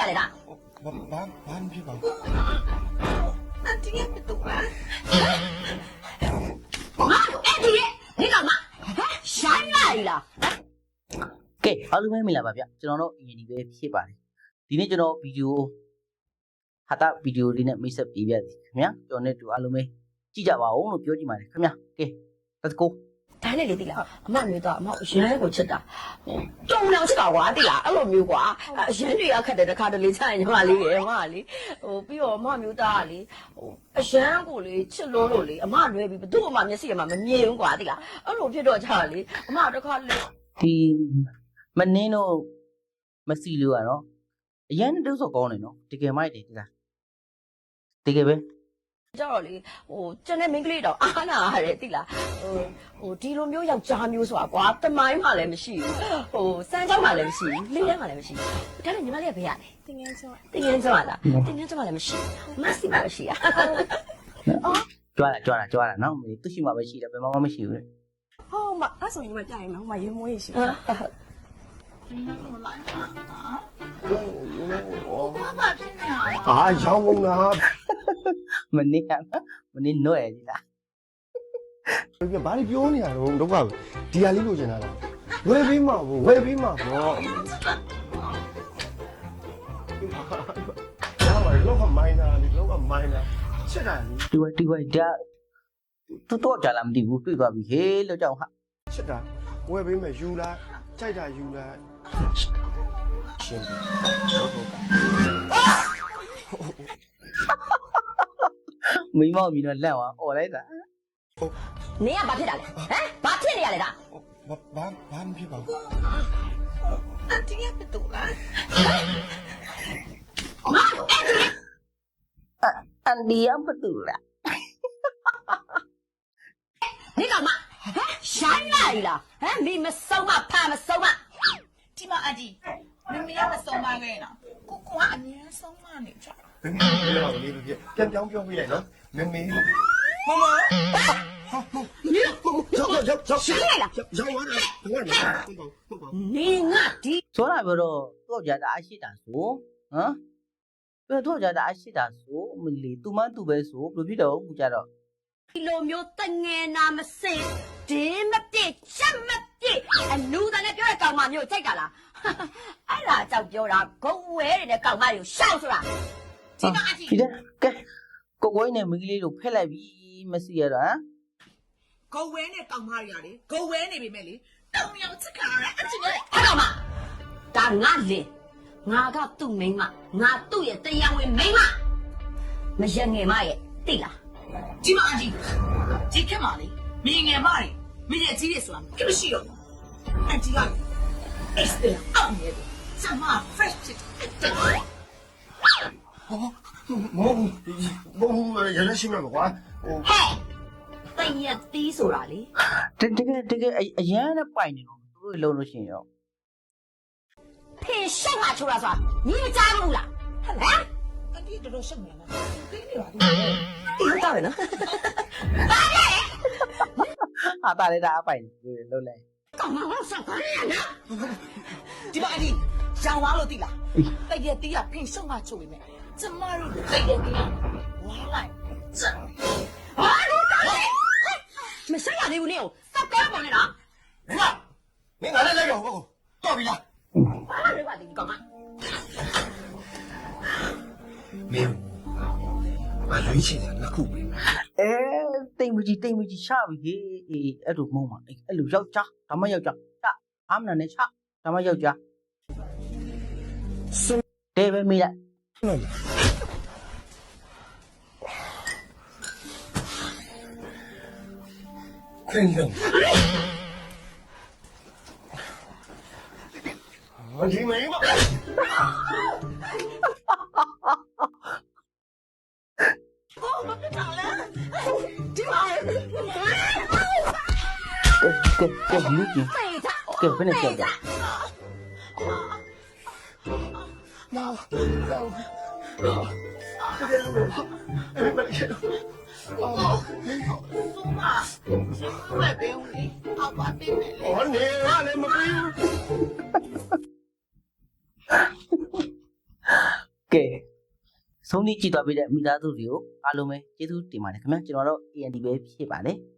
လေတာဘာဖြစ်ပါအန်တီရဲ့တူလားငါတို့အဲ့ဒီဒီကောင်မရှိုင်းလိုက်လားကဲအားလုံးပဲမင်္ဂလာပါဗျကျွန်တော်တို့အရင်ဒီပဲဖြစ်ပါတယ်ဒီနေ့ကျွန်တော်ဗီဒီယိုဟာတာဗီဒီယိုလေးနဲ့မိတ်ဆက်ပေးပြသည်ခင်ဗျာကျွန်တော်နဲ့တူအားလုံးပဲကြည့်ကြပါဦးလို့ပြောကြည့်ပါတယ်ခင်ဗျာကဲ let's go ဒါနဲ့လေတိလားအမမျိုးတော့အမရမ်းကိုချစ်တာတုံလောင်ချစ်တာကွာတိလားအဲ့လိုမျိုးကွာရမ်းတွေကခက်တယ်တခါတလေချရင်ညီမလေးရေအမလေးပြီးတော့အမမျိုးသားကလေအရမ်းကိုလေချစ်လို့လေအမလွဲပြီးဘသူ့အမမျက်စိအမမမြင်ဘူးကွာတိလားအဲ့လိုဖြစ်တော့ကြလေအမတခါလေဒီမနင်းတော့မစီလို့ရတော့အရန်တုပ်ဆော့ကောင်းနေနော်တကယ်မိုက်တယ်ဒီလားတကယ်ပဲကြတော့လေကျန်တဲ့မိန်းကလေးတော့အားနာရတယ်တိလားဒီလိုမျိုးယောက်ျားမျိုးဆိုတာကွာတမိုင်းမှလည်းမရှိဘူးစမ်းကြောင်းမှလည်းမရှိဘူးလေးထဲမှလည်းမရှိဘူးဒါနဲ့ညီမလေးကဘယ်ရလဲတင်ငန်းကျော်လားတင်ငန်းကျော်မှလည်းမရှိဘူးမဆီမှမရှိရကြွားတာနော်သူရှိမှပဲရှိတယ်ဘယ်မှမရှိဘူးလေဟောမအဲ့ဆိုညီမပြရင်နော်ဟိုမှာရေမွေးရှိတယ်ရောင်းကုန်လားမနင်းနှွဲ့ဒီလားဘာလို့ပြောနေရတော့ဒုက္ခဒီဟာလေးလိုချင်တာလားဝယ်ပေးမှာပေါ့ဝယ်ပေးမှာပေါ့လောကမိုင်းနာချက်တာလေဒီဝိုင်ဒါတော့ကြလာမသိဘူးတွေ့သွားပြီဟေးလို့ကြောက်ဟာချက်တာဝယ်ပေးမယ်ယူလားကြိုက်တာယူလားရှင်းမိမောက်ပြီးတော့လက်သွားអော်လိုက်တာနင်ကဘာဖြစ်တာလဲဟမ်ဘာဖြစ်နေရလဲဒါဘာမဖြစ်ပါဘူးအန်တီရဲ့တူလားအန်ဒီယမ်ပတူလားဒီကောင်မရှိုင်းလိုက်လားမိမဆုံးမဖာမဆုံးမဒီမှာအဒီမမေကမဆုံးမခဲ့နော်ကိုကအမြဲဆုံးမနေကြမမေပြောလေးပြပြန်ပြောင်းပြောပြလိုက်နော်မမေမမရောက်ရှိုင်းလိုက်လားရောက်သွားတယ်ဟုတ်ပါနေငါဒီဆိုတာပြောတော့တော့ကြတာအရှိတာဆိုဟမ်ပြောတော့ကြတာအရှိတာဆိုမလီသူမသူပဲဆိုဘယ်ဖြစ်တော့ဘူးကြတော့ဒီလိုမျိုးတငယ်နာမစင်ဒင်းမပြည့်ချက်မပြည့်အလူတန်းနဲ့ပြောတဲ့ကောင်မမျိုးကြိုက်တာလားအဲ့ဒါကြောင့်ပြောတာဂုံဝဲတဲ့ကောင်မတွေကိုရှောက်ဆိုတာဒီကအဒီဒီကဲကိုကိုင်းနဲ့မိန်းကလေးတို့ဖက်လိုက်ပြီမစီရတော့ဟမ်ဂုံဝဲနဲ့ကောင်မတွေရတယ်ဂုံဝဲနေပြီမဲ့လေတောင်ရောက်ချက်ခါရအချင်းရဲ့အဲ့ကောင်မဒါငါလင်ငါကသူ့မိန်းမငါသူ့ရဲ့တရားဝင်မိန်းမမရငယ်မရဲ့သိလားဒီမှာအဒီဒီခက်ပါလေမင်းငယ်မတွေမင်းရဲ့ကြီးတွေဆိုတာမရှိတော့ဘူးအဒီက extra အောင်နေတယ်စမ fresh ဖြစ်တယ်မဟုတ်ရရရှိမှာကွာဟဲ့တည့်ရတီးဆိုတာလေတကယ်အရန်နဲ့ပိုင်နေတော့သူတို့လုံးလို့ရှိရင်ရောဖေရှက်မှာချိုးတာဆိုတာညီမကြားဘူးလားဟမ်အဒီတော်ရှက်နေလားသိနေပါဘူးဒီတော့ပဲနော်ဘာလဲဟာတာလေဒါအပိုင်လုံးလဲကောင်မအောင်ဆောက်ပါရနော်ဒီမှာအဒီရောင်သွားလို့သိလားတည့်ရတီးကဖေရှက်မှာချိုးနေမယ်ကျမတို့တည့်ရတီးဝါလိုက်ဟာလို့တာလေမဆက်ရသေးဘူးနေကိုစက်ကောပေါ်နေတာမင်းကလည်းလိုက်တော့ဟုတ်တော့ပြီလားဘာလဲပါဒီကောင်မမင်းမလွေးချင်တယ်နှစ်ခုပဲတိမ်မကြီးချပြီအေးအဲ့လိုမုံပါအဲ့လိုယောက်ျားဒါမှယောက်ျားချအာမနာနဲ့ချဒါမှယောက်ျားတဲပဲမိလိုက်ခင်ဗျာဒီမင်းမကဲလူကြီးကဲဘယ်နဲ့ကြောက်ကြမောပဲဘယ်ဦးလေးအောက်ပါတင်တယ်လေဟောနေရလည်းမပြီးဘူးကဲဆုံးဖြတ်ကြည့်သွားပြီးတဲ့မိသားစုတွေကိုအားလုံးပဲကျေးဇူးတင်ပါတယ်ခင်ဗျာကျွန်တော်တို့ AND ပဲဖြစ်ပါတယ်